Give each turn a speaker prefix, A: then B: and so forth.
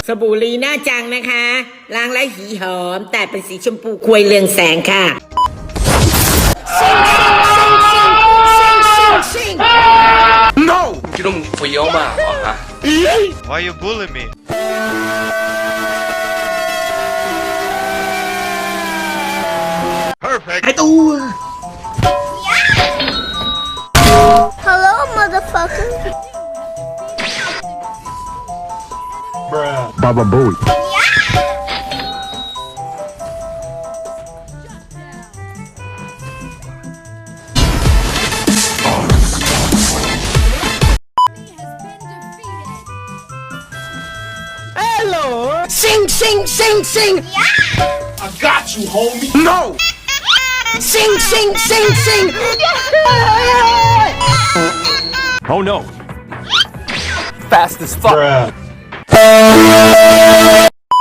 A: บู่ลีน่าจังนะคะล้างแล้วหีหอมแต่เป็นสีชมพูควยเรืองแสงค่ะ
B: No! คิดว่ามึงเฟี้ยวมากเหรอฮะ
C: Why you bully me? Perfect.
B: ไอ้ตัว
D: Hello, motherfucker.
E: Baba Booey.
A: Hello sing sing sing sing
B: I got you homie No
A: sing sing sing sing
E: Oh no.
B: Fast as fuck